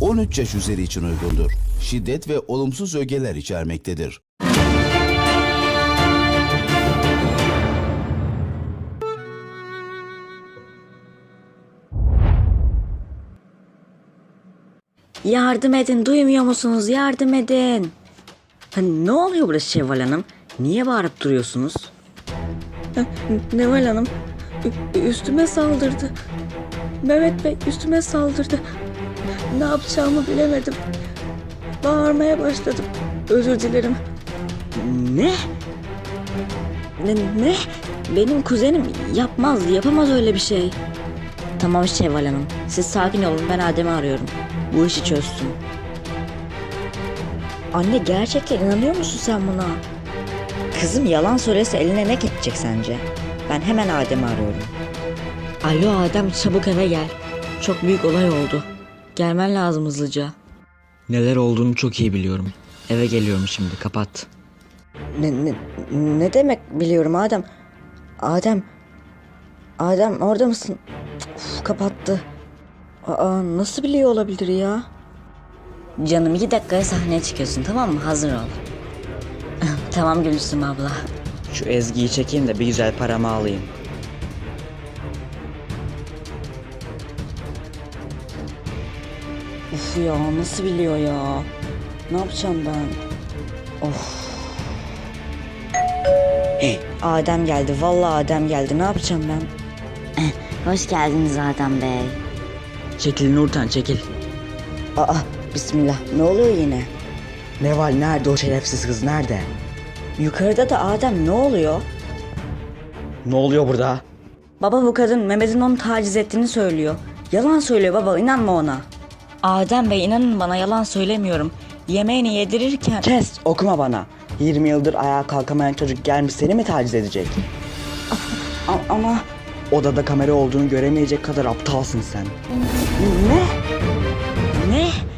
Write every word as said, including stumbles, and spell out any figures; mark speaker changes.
Speaker 1: on üç yaş üzeri için uygundur. Şiddet ve olumsuz ögeler içermektedir.
Speaker 2: Yardım edin, duymuyor musunuz? Yardım edin. Ha, ne oluyor burada Şevval Hanım? Niye bağırıp duruyorsunuz? Ha, Neval Hanım ü- üstüme saldırdı. Mehmet Bey üstüme saldırdı. Ne yapacağımı bilemedim. Bağırmaya başladım. Özür dilerim. Ne? Ne? ne? Benim kuzenim yapmaz, yapamaz öyle bir şey. Tamam Şevval Hanım. Siz sakin olun, ben Adem'i arıyorum. Bu işi çözsün. Anne gerçekten inanıyor musun sen buna? Kızım yalan söylese eline ne geçecek sence? Ben hemen Adem'i arıyorum. Alo Adem, çabuk eve gel. Çok büyük olay oldu. Gelmen lazım hızlıca.
Speaker 3: Neler olduğunu çok iyi biliyorum. Eve geliyorum şimdi, kapat.
Speaker 2: Ne, ne, ne demek biliyorum Adem? Adem. Adem orada mısın? Uf, kapattı. Aa, nasıl biliyor olabilir ya? Canım iki dakikaya sahneye çıkıyorsun, tamam mı? Hazır ol. Tamam Gülsüm abla.
Speaker 3: Şu Ezgi'yi çekeyim de bir güzel paramı alayım.
Speaker 2: Uf ya, nasıl biliyor ya? Ne yapacağım ben? Of. Adem geldi. Vallahi Adem geldi. Ne yapacağım ben? Hoş geldiniz Adem Bey.
Speaker 3: Çekil Nurten, çekil.
Speaker 2: Aa, bismillah. Ne oluyor yine?
Speaker 3: Neval nerede, o şerefsiz kız nerede?
Speaker 2: Yukarıda da Adem, ne oluyor?
Speaker 3: Ne oluyor burada?
Speaker 2: Baba bu kadın Mehmet'in onu taciz ettiğini söylüyor. Yalan söylüyor baba, inanma ona. Adem Bey inanın bana, yalan söylemiyorum. Yemeğini yedirirken...
Speaker 3: Kes, okuma bana. yirmi yıldır ayağa kalkamayan çocuk gelmiş seni mi taciz edecek?
Speaker 2: A- ama...
Speaker 3: Odada kamera olduğunu göremeyecek kadar aptalsın sen.
Speaker 2: Ne? Ne?